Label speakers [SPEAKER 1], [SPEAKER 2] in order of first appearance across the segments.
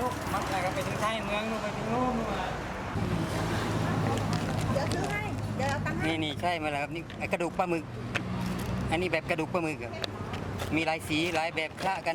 [SPEAKER 1] ลูกมักอะไรก็ไปถึงท้ายเมืองนู่นไปถึงนู่นมา
[SPEAKER 2] เดี๋ยวซื้อให้เดี๋ยวเอาตังค์ให้
[SPEAKER 1] นี่ใช่มาแล้วครับนี่ไอ้กระดูกปลาหมึกอันนี้แบบกระดูกปลาหมึกครับมีหลายสีหลายแบบคละกัน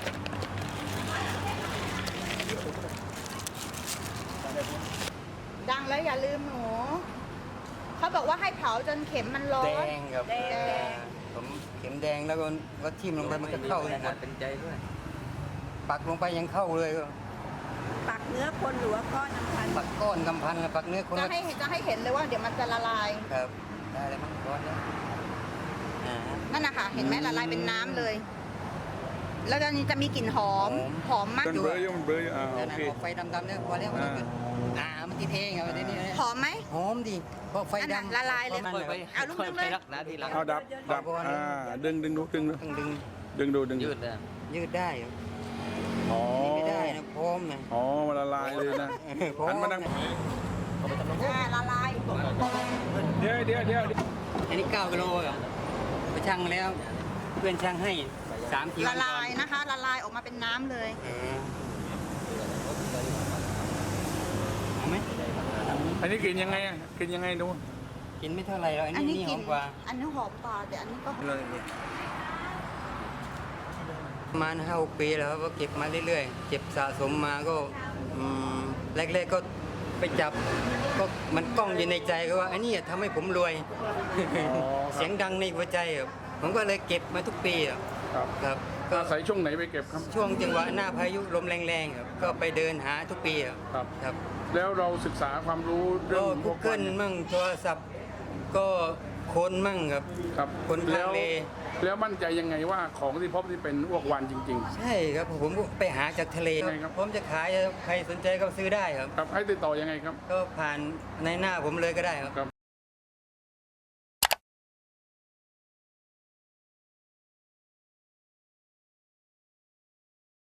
[SPEAKER 2] ดังแล้วอย่าลืมหนูเขาบอกว่าให้เผาจนเข็มมันร้อน
[SPEAKER 1] แดงครับ
[SPEAKER 2] แดง
[SPEAKER 1] ผมเข็มแดงแล้วก็ทิ่มลงไปมันก็เข้าเลยหมด
[SPEAKER 3] เป็นใจด้วย
[SPEAKER 1] ปักลงไปยังเข้าเลยก็
[SPEAKER 2] ปักเนื้อคนหรือว่าก้อนน้ำพัน
[SPEAKER 1] ปักก้อนกำพันกับปักเนื้อคน
[SPEAKER 2] จะ
[SPEAKER 1] ละ
[SPEAKER 2] ให้เห็นเลยว่าเดี๋ยวมันจะละลาย
[SPEAKER 1] ครับได้แล้วมั้งร้อนแล้วอ่า
[SPEAKER 2] นั่นนะคะเห็นไหมละลายเป็นน้ำเลย แล้วตอนนี้จะมีกลิ่นหอมมาก
[SPEAKER 4] มันเบลออยู่มันเบลออยู่
[SPEAKER 1] แล้ว
[SPEAKER 4] โอ
[SPEAKER 1] นะ
[SPEAKER 4] เค
[SPEAKER 1] ออกไฟดำๆเนี่ยพอแล้ว มันติดเองครับทีนี้
[SPEAKER 2] หอมไหม
[SPEAKER 1] หอมดีเพราะไฟ
[SPEAKER 2] นั่นน่ะ
[SPEAKER 1] ดำ
[SPEAKER 2] ละลายเลย
[SPEAKER 1] พระมันแบบ
[SPEAKER 2] เอาลูกนึงเลย
[SPEAKER 3] รักนะทีหลัง
[SPEAKER 4] เอาดับดึงดู
[SPEAKER 1] ต้องดึง
[SPEAKER 4] ดึง
[SPEAKER 3] ยืดเลย
[SPEAKER 1] ยืดได้ครับ
[SPEAKER 4] อ๋อ
[SPEAKER 1] นี่ไม่ได้นะพร้อมนะ
[SPEAKER 4] อ๋อมันละลายเลยนะ
[SPEAKER 1] พร้อม
[SPEAKER 4] หันมาดัง
[SPEAKER 2] ละลาย
[SPEAKER 4] เดี๋ยว
[SPEAKER 1] อันนี้9 กิโลครับไปชั่งแล้ว เพื่อนช่างให้3 ที
[SPEAKER 2] ละลายนะคะ ละลายออกมาเป็นน้ำเลย
[SPEAKER 1] เอาไหม
[SPEAKER 4] อันนี้กินยังไงกินยังไงดู
[SPEAKER 1] กินไม่เท่าไหร่หรอกอันนี้หอมกว่า
[SPEAKER 2] อันนี้หอมกว่าแต่อันนี้ก็
[SPEAKER 1] ประมาณ5-6 ปีแล้วครับก็เก็บมาเรื่อยๆเก็บสะสมมาก็แรกๆก็ไปจับก็มันก้องอยู่ในใจก็ว่าอันนี้ทำให้ผมรวย เสียงดังในหัวใจครับผมก็เลยเก็บมาทุกปีครับ
[SPEAKER 4] ครับ
[SPEAKER 1] ครับก็
[SPEAKER 4] อาศัยช่วงไหนไปเก็บครับ
[SPEAKER 1] ช่วงจังหวะหน้าพายุลมแรงๆครับก็ไปเดินหาทุกปีครับ
[SPEAKER 4] ครับ
[SPEAKER 1] ครับ
[SPEAKER 4] แล้วเราศึกษาความรู้เรื่
[SPEAKER 1] ก็
[SPEAKER 4] องพวก
[SPEAKER 1] Google มั่งโทรศัพท์ก็ค้นมั่งครับ
[SPEAKER 4] ครับ
[SPEAKER 1] คนทางเล
[SPEAKER 4] แล้วมั่นใจยังไงว่าของที่พบที่เป็นอ้วกวานจริง
[SPEAKER 1] ใช่ครับผมไปหาจากทะเล
[SPEAKER 4] ใช่ครับ
[SPEAKER 1] ผมจะขายใครสนใจก็ซื้อได้ครับ
[SPEAKER 4] ๆ ครับให้ติดต่อยังไงครับ
[SPEAKER 1] ก็ผ่านในหน้าผมเลยก็ได้ครับ
[SPEAKER 4] ครับ